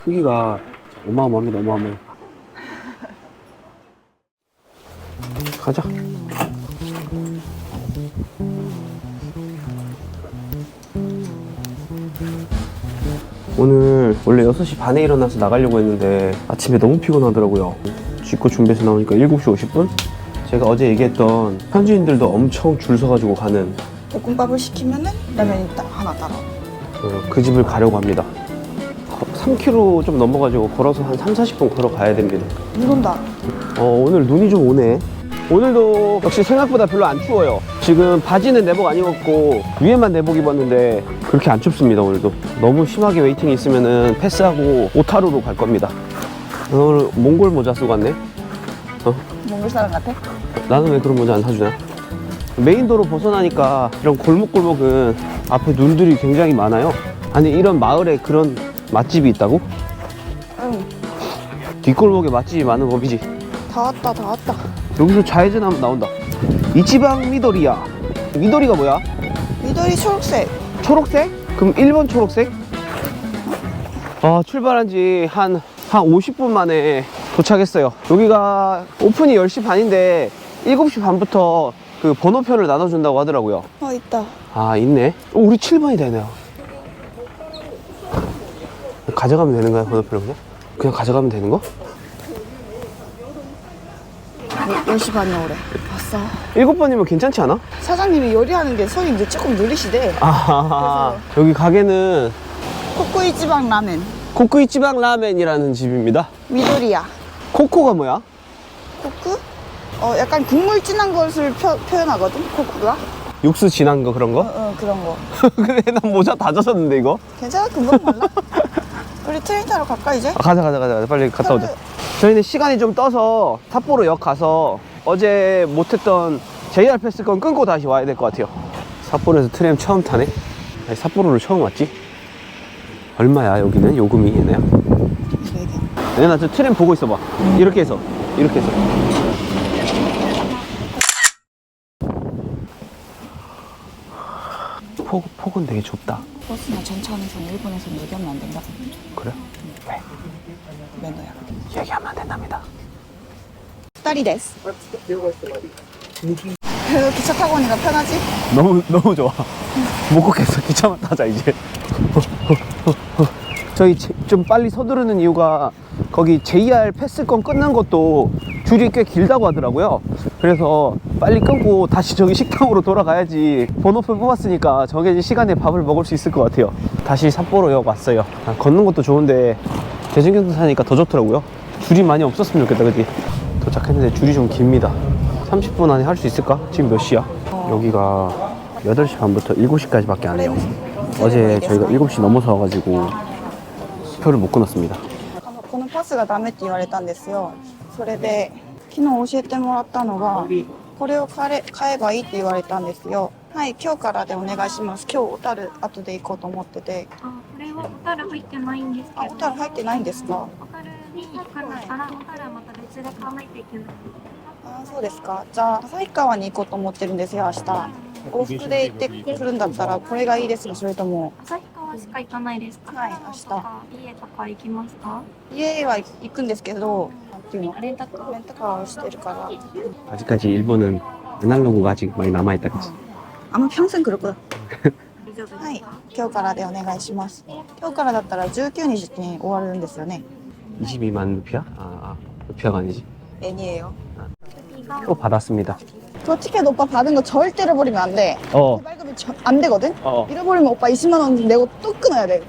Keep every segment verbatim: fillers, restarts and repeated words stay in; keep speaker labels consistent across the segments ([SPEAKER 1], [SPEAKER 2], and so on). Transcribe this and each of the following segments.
[SPEAKER 1] 크기가 어마어마합니다. 어마어마해. 가자. 오늘 원래 여섯 시 반에 일어나서 나가려고 했는데 아침에 너무 피곤하더라고요. 쥐고 준비해서 나오니까 일곱 시 오십 분? 제가 어제 얘기했던 현지인들도 엄청 줄 서가지고 가는
[SPEAKER 2] 볶음밥을 시키면은 라면이 딱 하나 따라.
[SPEAKER 1] 어, 그 집을 가려고 합니다. 삼 킬로미터 좀 넘어가지고 걸어서 한 삼, 사십 분 걸어가야 됩니다.
[SPEAKER 2] 눈 온다.
[SPEAKER 1] 어, 오늘 눈이 좀 오네. 오늘도 역시 생각보다 별로 안 추워요. 지금 바지는 내복 안 입었고 위에만 내복 입었는데 그렇게 안 춥습니다. 오늘도 너무 심하게 웨이팅이 있으면은 패스하고 오타루로 갈 겁니다. 오늘 몽골 모자 쓰고 왔네. 어?
[SPEAKER 2] 몽골 사람 같아?
[SPEAKER 1] 나는 왜 그런 모자 안 사주냐? 메인도로 벗어나니까 이런 골목골목은 앞에 눈들이 굉장히 많아요. 아니 이런 마을에 그런 맛집이 있다고?
[SPEAKER 2] 응.
[SPEAKER 1] 뒷골목에 맛집이 많은 법이지.
[SPEAKER 2] 다 왔다, 다 왔다.
[SPEAKER 1] 여기서 좌회전하면 나온다. 이치방 미도리야. 미도리가 뭐야?
[SPEAKER 2] 미도리 초록색.
[SPEAKER 1] 초록색? 그럼 일 번 초록색? 아, 출발한 지 한, 한 오십 분 만에 도착했어요. 여기가 오픈이 열 시 반인데 일곱 시 반부터 그 번호표를 나눠준다고 하더라고요.
[SPEAKER 2] 어, 있다.
[SPEAKER 1] 아, 있네. 어, 우리 칠 번이 되네요. 가져가면 되는 거야, 번호표를 그냥? 그냥 가져가면 되는 거?
[SPEAKER 2] 열 시 반이야, 올해. 봤어.
[SPEAKER 1] 일곱 번이면 괜찮지 않아?
[SPEAKER 2] 사장님이 요리하는 게 손이 이제 조금 느리시대.
[SPEAKER 1] 아, 여기 가게는
[SPEAKER 2] 코코이치방 라멘.
[SPEAKER 1] 코쿠이치방 라멘이라는 집입니다.
[SPEAKER 2] 미도리야.
[SPEAKER 1] 코코가 뭐야?
[SPEAKER 2] 코쿠? 어, 약간 국물 진한 것을 표, 표현하거든, 코쿠가.
[SPEAKER 1] 육수 진한 거 그런
[SPEAKER 2] 어,
[SPEAKER 1] 거?
[SPEAKER 2] 어, 그런 거.
[SPEAKER 1] 근데 난 모자 다 젖었는데 이거?
[SPEAKER 2] 괜찮아, 금방 말라. 우리 트레인 타러 갈까, 이제?
[SPEAKER 1] 아, 가자 가자 가자 빨리 갔다 오자. 저희는 시간이 좀 떠서 삿포로역 가서 어제 못했던 제이알 패스권 끊고 다시 와야 될 것 같아요. 삿포로에서 트램 처음 타네? 아니, 삿포로를 처음 왔지? 얼마야 여기는? 요금이 얘네야?
[SPEAKER 2] 네 개.
[SPEAKER 1] 얘나 저 트램 보고 있어봐. 이렇게 해서 이렇게 해서 폭, 폭은 되게 좁다.
[SPEAKER 2] 버스나 전차에서는 일본에서는 얘기하면 안 된다.
[SPEAKER 1] 그래? 왜?
[SPEAKER 2] 매너야.
[SPEAKER 1] 얘기하면 안 된답니다.
[SPEAKER 2] 딸이 데스. 그래도 기차 타고 오니까 편하지?
[SPEAKER 1] 너무 너무 좋아. 못 걷겠어. 기차만 타자 이제. 저희 제- 좀 빨리 서두르는 이유가 거기 제이알 패스권 끊는 것도 줄이 꽤 길다고 하더라고요. 그래서 빨리 끊고 다시 저기 식당으로 돌아가야지 번호표 뽑았으니까 정해진 시간에 밥을 먹을 수 있을 것 같아요. 다시 삿포로역 왔어요. 아, 걷는 것도 좋은데 대중교통 타니까 더 좋더라고요. 줄이 많이 없었으면 좋겠다. 그치? 도착했는데 줄이 좀 깁니다. 삼십 분 안에 할 수 있을까? 지금 몇 시야? 여기가 여덟 시 반부터 일곱 시까지 밖에 안 해요. 어제 저희가 일곱 시 넘어서 와가지고 표를 못 끊었습니다.
[SPEAKER 2] このパスがダメって言われたんですよ。それで昨日教えてもらったのがこれを買え買えばいいって言われたんですよ。はい、今日からでお願いします。今日小樽後で行こうと思ってて。
[SPEAKER 3] あ、これは小樽入ってないんですけ
[SPEAKER 2] あ、
[SPEAKER 3] ど。
[SPEAKER 2] 小樽入ってないんですか？
[SPEAKER 3] 小樽に行かないから、小樽はまた別で買わないといけない。
[SPEAKER 2] あ、そうですか。じゃあ旭川に行こうと思ってるんですよ、明日。往復で行ってくるんだったらこれがいいですか、それとも
[SPEAKER 3] 旭川しか行かないですか？
[SPEAKER 2] はい
[SPEAKER 3] 長野とか家とか行きますか？
[SPEAKER 2] 家は行くんですけど、なんていうの？
[SPEAKER 3] レンタカー。
[SPEAKER 2] レンタカーをしてるから。
[SPEAKER 1] 아직까지 일본은 아날로그가 아직 많이 남아있다. 그치?
[SPEAKER 2] 아마 평생 그럴 거야.
[SPEAKER 3] 大丈夫ですか？
[SPEAKER 2] はい、今日からでお願いします。今日からだったらじゅうくにちに終わるんですよね。
[SPEAKER 1] 이십이만 루피아? 아, 아 루피아가 아니지.
[SPEAKER 2] 애니에요.
[SPEAKER 1] 표 받았습니다.
[SPEAKER 2] 저 티켓 오빠 받은 거 절대 잃어버리면 안 돼.
[SPEAKER 1] 어,
[SPEAKER 2] 발급이 저- 안 되거든?
[SPEAKER 1] 어.
[SPEAKER 2] 잃어버리면 오빠 이십만 원 내고 또 끊어야 돼.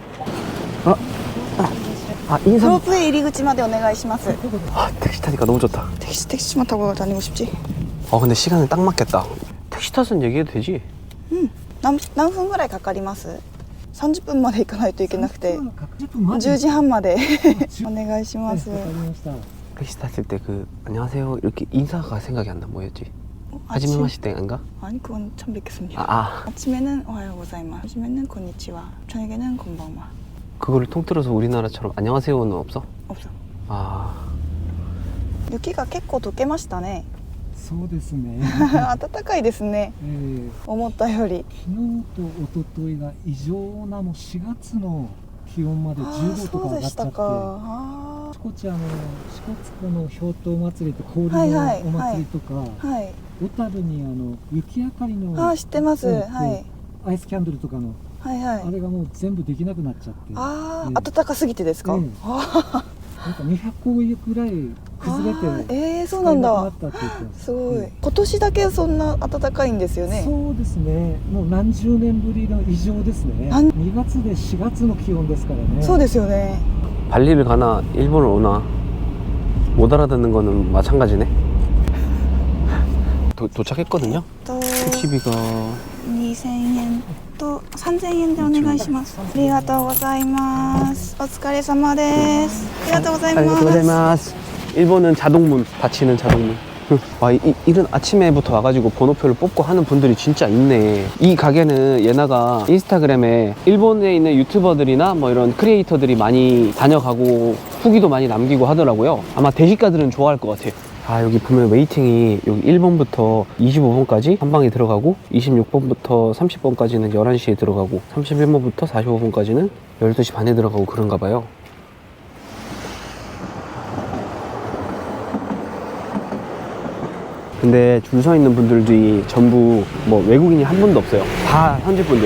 [SPEAKER 1] 아, 인삼.
[SPEAKER 2] 로프의入り口までお願いします.
[SPEAKER 1] 아, 택시 타니까 너무 좋다.
[SPEAKER 2] 택시, 택시만 타고 다니고 싶지?
[SPEAKER 1] 어, 근데 시간은 딱 맞겠다. 택시 탓은 얘기해도 되지?
[SPEAKER 2] 응. 何, 何分ぐらいかかります? 삼십 분まで行かないといけなくてじゅうじはんまでお願いします.
[SPEAKER 1] 택시 탔을 때 그 안녕하세요 이렇게 인사가 생각이 안 나. 뭐였지?
[SPEAKER 2] 어,
[SPEAKER 1] 하지메 마시테인가?
[SPEAKER 2] 아니 그건 처음 뵙겠습니다.
[SPEAKER 1] 아, 아,
[SPEAKER 2] 아침에는 오하요 고자이마스, 점심에는 곤니치와, 저녁에는 곤방마.
[SPEAKER 1] 그거를 통틀어서 우리나라처럼 안녕하세요는 없어?
[SPEAKER 2] 없어.
[SPEAKER 1] 아,
[SPEAKER 2] 雪が結構溶けましたね。
[SPEAKER 4] そうですね。
[SPEAKER 2] 暖かいですね。
[SPEAKER 4] えー
[SPEAKER 2] 思ったより。
[SPEAKER 4] 昨日と一昨日が異常なもうしがつの気温まで
[SPEAKER 2] ああ、
[SPEAKER 4] じゅうごと
[SPEAKER 2] そう
[SPEAKER 4] か上がっちゃって、
[SPEAKER 2] でしたか。あ
[SPEAKER 4] あちこちあの支笏湖の氷濤祭りと氷の
[SPEAKER 2] はいはい
[SPEAKER 4] お祭りとか、
[SPEAKER 2] あ、はい。
[SPEAKER 4] 小樽にあの雪明かりの
[SPEAKER 2] ああ、知ってます。
[SPEAKER 4] うん
[SPEAKER 2] はい。
[SPEAKER 4] アイスキャンドルとかの、
[SPEAKER 2] はいはい
[SPEAKER 4] あ。れがもう全部できなくなっちゃって、
[SPEAKER 2] ああ、
[SPEAKER 4] うん
[SPEAKER 2] 暖かすぎてですか。
[SPEAKER 4] ええ
[SPEAKER 2] あ
[SPEAKER 4] なんかにひゃっこぐらい崩れて
[SPEAKER 2] あ、ええ、そう
[SPEAKER 4] 使
[SPEAKER 2] なんだ。
[SPEAKER 4] えなくなったって言ってます。
[SPEAKER 2] すごい。
[SPEAKER 4] うん
[SPEAKER 2] 今年だけそんな暖かいんですよね。
[SPEAKER 4] そうですね、もう何十年ぶりの異常ですね。
[SPEAKER 2] なん
[SPEAKER 4] にがつでしがつの気温ですからね。
[SPEAKER 2] そうですよね。
[SPEAKER 1] 발리를 가나 일본을 오나 못 알아듣는 거는 마찬가지네. 도, 도착했거든요.
[SPEAKER 2] と
[SPEAKER 1] 티비가
[SPEAKER 2] にせんえんとさんぜんえんでお願いします。ありがとうございます。お疲れ様です。ありがとうございます。
[SPEAKER 1] 고자이마스. 일본은 자동문, 닫히는 자동문. 와, 이, 이- 이른 아침에부터 와가지고 번호표를 뽑고 하는 분들이 진짜 있네. 이 가게는 예나가 인스타그램에 일본에 있는 유튜버들이나 뭐 이런 크리에이터들이 많이 다녀가고 후기도 많이 남기고 하더라고요. 아마 대식가들은 좋아할 것 같아. 아, 여기 보면 웨이팅이 여기 일 번부터 이십오 번까지 한 방에 들어가고 이십육 번부터 삼십 번까지는 열한 시에 들어가고 삼십일 번부터 사십오 번까지는 열두 시 반에 들어가고 그런가 봐요. 근데 줄 서 있는 분들이 전부 뭐 외국인이 한 분도 없어요. 다 현지 분들.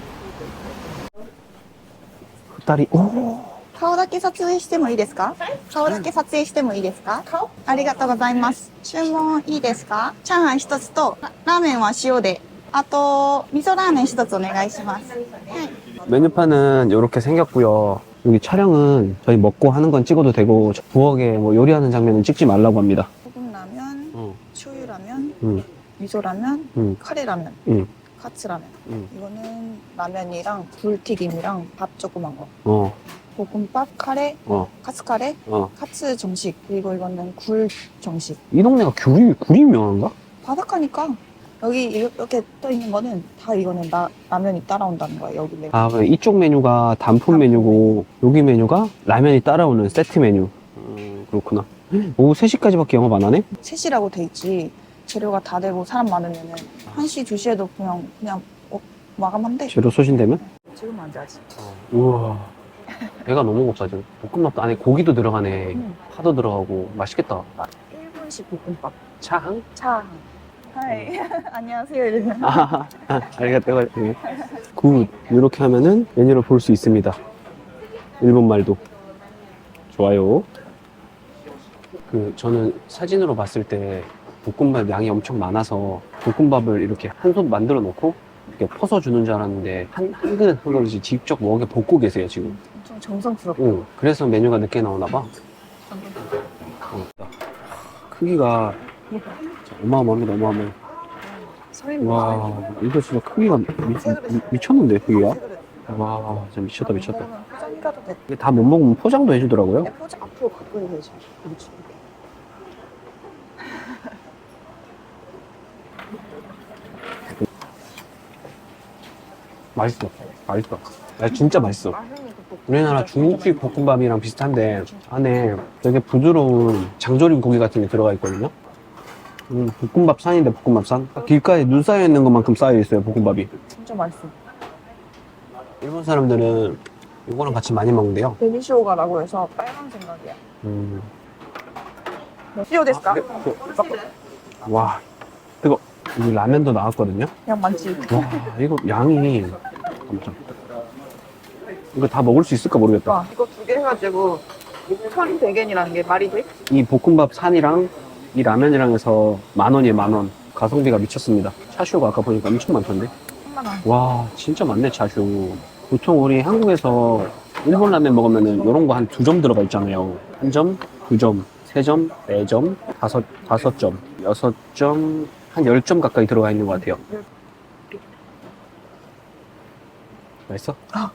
[SPEAKER 1] 딸이 오.
[SPEAKER 2] 顔だけ撮影してもいいですか？顔だけ撮影してもいいですか？ありがとうございます。注文いいですか？チャーハン一つとララーメンは塩で、あと味噌ラーメン一つお願いします。はい。
[SPEAKER 1] 메뉴판은 이렇게 생겼고요. 여기 촬영은 저희 먹고 하는 건 찍어도 되고 부엌에 뭐 요리하는 장면은 찍지 말라고 합니다.
[SPEAKER 2] 소금 라면,
[SPEAKER 1] 어.
[SPEAKER 2] 쇼유 라면,
[SPEAKER 1] 응,
[SPEAKER 2] 미소 라면,
[SPEAKER 1] 응,
[SPEAKER 2] 카레 라면,
[SPEAKER 1] 응,
[SPEAKER 2] 카츠 라면.
[SPEAKER 1] 응.
[SPEAKER 2] 이거는 라면이랑 굴튀김이랑 밥 조그만 거.
[SPEAKER 1] 어,
[SPEAKER 2] 볶음밥, 카레,
[SPEAKER 1] 어,
[SPEAKER 2] 카츠 카레,
[SPEAKER 1] 어.
[SPEAKER 2] 카츠 정식. 그리고 이거는 굴 정식.
[SPEAKER 1] 이 동네가 굴이 굴이 유명한가?
[SPEAKER 2] 바닷가니까 여기 이렇게 떠 있는 거는 다 이거는 라, 라면이 따라온다는 거예요. 여기 메뉴.
[SPEAKER 1] 아, 그래. 이쪽 메뉴가 단품 메뉴고 여기 메뉴가 라면이 따라오는 세트 메뉴. 음, 그렇구나. 오후 세 시까지밖에 영업 안 하네?
[SPEAKER 2] 세 시라고 돼 있지. 재료가 다 되고 사람 많으면은 한 시, 두 시에도 그냥 그냥 어, 마감한대.
[SPEAKER 1] 재료 소진되면?
[SPEAKER 2] 지금 안 자지.
[SPEAKER 1] 우와. 배가 너무 고파 지금. 볶음밥도 안에 고기도 들어가네.
[SPEAKER 2] 응.
[SPEAKER 1] 파도 들어가고 맛있겠다.
[SPEAKER 2] 일 분씩 볶음밥.
[SPEAKER 1] 차항?
[SPEAKER 2] 차. 하이. 안녕하세요. 이러면.
[SPEAKER 1] 아, 아리가또. 굿. 이렇게 하면은 메뉴를 볼 수 있습니다. 일본 말도. 좋아요. 그 저는 사진으로 봤을 때 볶음밥 양이 엄청 많아서 볶음밥을 이렇게 한 손 만들어 놓고 이렇게 퍼서 주는 줄 알았는데 한, 한 그릇 한 그릇씩 직접 먹게 볶고 계세요 지금.
[SPEAKER 2] 엄청 정성스럽고.
[SPEAKER 1] 응. 그래서 메뉴가 늦게 나오나 봐. 어. 크기가 어마어마합니다. 어마어마해.
[SPEAKER 2] 서인
[SPEAKER 1] 와, 이거 진짜 크기가 미, 미, 미쳤는데 크기가.
[SPEAKER 2] 세 그릇.
[SPEAKER 1] 와, 진짜 미쳤다 미쳤다.
[SPEAKER 2] 먹으면 포장이 가도 돼.
[SPEAKER 1] 이게 다 못 먹으면 포장도 해주더라고요.
[SPEAKER 2] 네, 포장 앞으로 갖고 해야지. 그렇지.
[SPEAKER 1] 맛있어. 맛있어. 아, 진짜 맛있어.
[SPEAKER 2] 맛있는 그
[SPEAKER 1] 우리나라 중국식 볶음밥이랑 비슷한데 안에 되게 부드러운 장조림 고기 같은 게 들어가 있거든요. 음, 볶음밥 산인데 볶음밥 산. 길가에 눈 쌓여 있는 것만큼 쌓여 있어요 볶음밥이.
[SPEAKER 2] 진짜 맛있어.
[SPEAKER 1] 일본 사람들은 이거랑 같이 많이 먹는데요.
[SPEAKER 2] 베니시오가라고 해서 빨간 생각이야.
[SPEAKER 1] 음.
[SPEAKER 2] 시오ですか?
[SPEAKER 1] 와, 뜨거. 이 라면도 나왔거든요.
[SPEAKER 2] 그냥 많지.
[SPEAKER 1] 와, 이거 양이 깜짝. 이거 다 먹을 수 있을까 모르겠다.
[SPEAKER 2] 와, 이거 두 개 해가지고 천백 엔이라는 게 말이 돼?
[SPEAKER 1] 이 볶음밥 산이랑 이 라면이랑 해서 만 원이에요, 만 원. 가성비가 미쳤습니다. 차슈가 아까 보니까 엄청 많던데.
[SPEAKER 2] 천만 원.
[SPEAKER 1] 와, 진짜 많네, 차슈. 보통 우리 한국에서 일본 라면 먹으면은 이런 거 한 두 점 들어가 있잖아요. 한 점, 두 점, 세 점, 네 점, 다섯, 다섯 점, 여섯 점, 한 열 점 가까이 들어가 있는 것 같아요. 맛있어?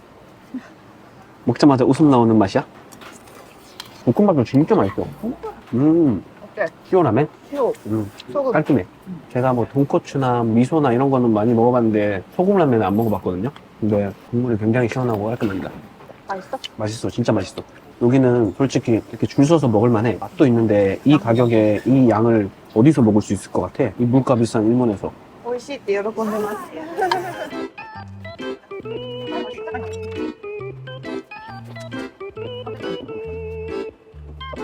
[SPEAKER 1] 먹자마자 웃음 나오는 맛이야? 볶음밥도 진짜 맛있어. 음,
[SPEAKER 2] 어때?
[SPEAKER 1] 시원하면?
[SPEAKER 2] 시오.
[SPEAKER 1] 음,
[SPEAKER 2] 소금.
[SPEAKER 1] 깔끔해. 제가 뭐 돈코츠나 미소나 이런 거는 많이 먹어봤는데 소금 라면은 안 먹어봤거든요. 근데 국물이 굉장히 시원하고 깔끔합니다.
[SPEAKER 2] 맛있어?
[SPEAKER 1] 맛있어, 진짜 맛있어. 여기는 솔직히 이렇게 줄 서서 먹을 만해. 맛도 있는데 이 가격에 이 양을 어디서 먹을 수 있을 것 같아? 이 물가 비싼 일본에서.
[SPEAKER 2] 美味しいって喜んでます。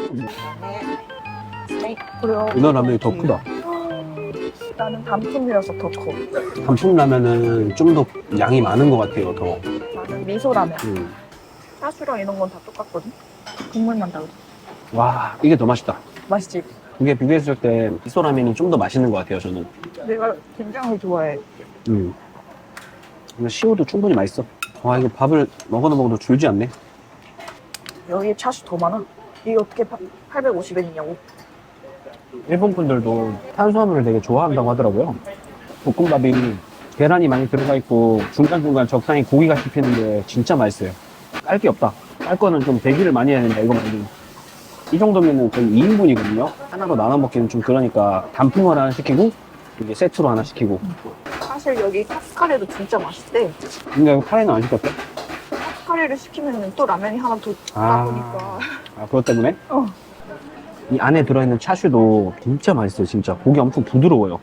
[SPEAKER 2] 그래요.
[SPEAKER 1] 이너 라면이 더 크다.
[SPEAKER 2] 나는 단품이라서 더 커.
[SPEAKER 1] 단품 라면은 좀 더 양이 많은 것 같아요, 더.
[SPEAKER 2] 나는 미소라면.
[SPEAKER 1] 음.
[SPEAKER 2] 차슈랑 이런 건 다 똑같거든. 국물만 다르지.
[SPEAKER 1] 와, 이게 더 맛있다.
[SPEAKER 2] 맛있지?
[SPEAKER 1] 이게 비교했을 때 미소 라면이 좀 더 맛있는 것 같아요, 저는.
[SPEAKER 2] 내가 된장을 좋아해.
[SPEAKER 1] 음. 근데 시오도 충분히 맛있어. 와, 이거 밥을 먹어도 먹어도 줄지 않네.
[SPEAKER 2] 여기 차슈 더 많아. 이게 어떻게 팔백오십 엔이냐고.
[SPEAKER 1] 일본 분들도 탄수화물을 되게 좋아한다고 하더라고요. 볶음밥이 계란이 많이 들어가 있고 중간중간 적당히 고기가 씹히는데 진짜 맛있어요. 깔 게 없다. 깔 거는 좀 대기를 많이 해야 된다, 이거 말고. 이 정도면은 거의 이 인분이거든요. 하나로 나눠 먹기는 좀 그러니까 단품을 하나 시키고 이게 세트로 하나 시키고.
[SPEAKER 2] 사실 여기 카츠카레도 진짜 맛있대.
[SPEAKER 1] 근데 이거 카레는 안 시켰대?
[SPEAKER 2] 카츠카레를 시키면 또 라면이 하나 더
[SPEAKER 1] 아.
[SPEAKER 2] 나오니까.
[SPEAKER 1] 아, 그것 때문에?
[SPEAKER 2] 어.
[SPEAKER 1] 이 안에 들어있는 차슈도 진짜 맛있어요, 진짜. 고기 엄청 부드러워요.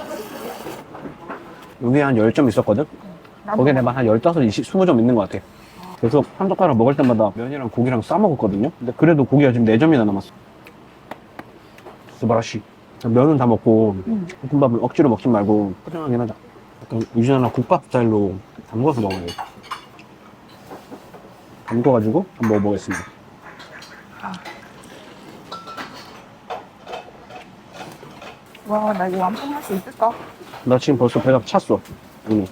[SPEAKER 1] 여기에 한 십 점 있었거든? 거기에 내가 한 십오, 이십, 이십 점 있는 것 같아. 그래서 한 젓가락 먹을 때마다 면이랑 고기랑 싸먹었거든요? 근데 그래도 고기가 지금 네 점이나 남았어. 스바라시. 면은 다 먹고,
[SPEAKER 2] 음.
[SPEAKER 1] 볶음밥을 억지로 먹지 말고, 포장하긴 하자. 약간 유진아나 국밥 스타일로 담궈서 먹어야겠다. 담궈가지고 한번 먹어보겠습니다.
[SPEAKER 2] 와, 나 이거 완성할 수 있을까?
[SPEAKER 1] 나 지금 벌써 배가 찼어, 이미.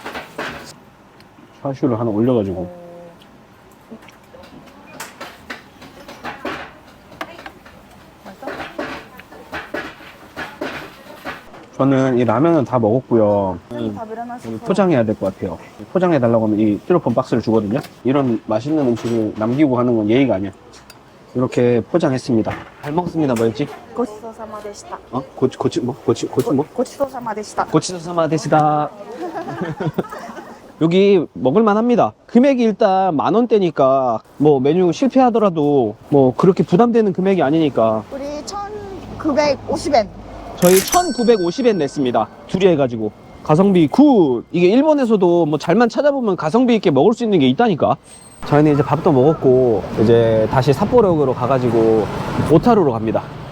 [SPEAKER 1] 차슈를 하나 올려가지고. 저는 이 라면은 다 먹었고요. 음,
[SPEAKER 2] 밥을 하나
[SPEAKER 1] 여기
[SPEAKER 2] 서
[SPEAKER 1] 포장해야 될 것 같아요. 포장해달라고 하면 이 스티로폼 박스를 주거든요. 이런 맛있는 음식을 남기고 하는 건 예의가 아니야. 이렇게 포장했습니다. 잘 먹습니다. 뭐였지?
[SPEAKER 2] 고치소사마 데시타.
[SPEAKER 1] 어? 고치, 고치, 뭐? 고치, 고치 뭐?
[SPEAKER 2] 고치소사마 데시타.
[SPEAKER 1] 고치소사마 되시다. 여기 먹을만 합니다. 금액이 일단 만 원대니까 뭐 메뉴 실패하더라도 뭐 그렇게 부담되는 금액이 아니니까
[SPEAKER 2] 우리 천구백오십 엔.
[SPEAKER 1] 저희 천구백오십 엔 냈습니다. 둘이 해가지고. 가성비 굿! 이게 일본에서도 뭐 잘만 찾아보면 가성비 있게 먹을 수 있는 게 있다니까. 저희는 이제 밥도 먹었고 이제 다시 삿포로역으로 가가지고 오타루로 갑니다.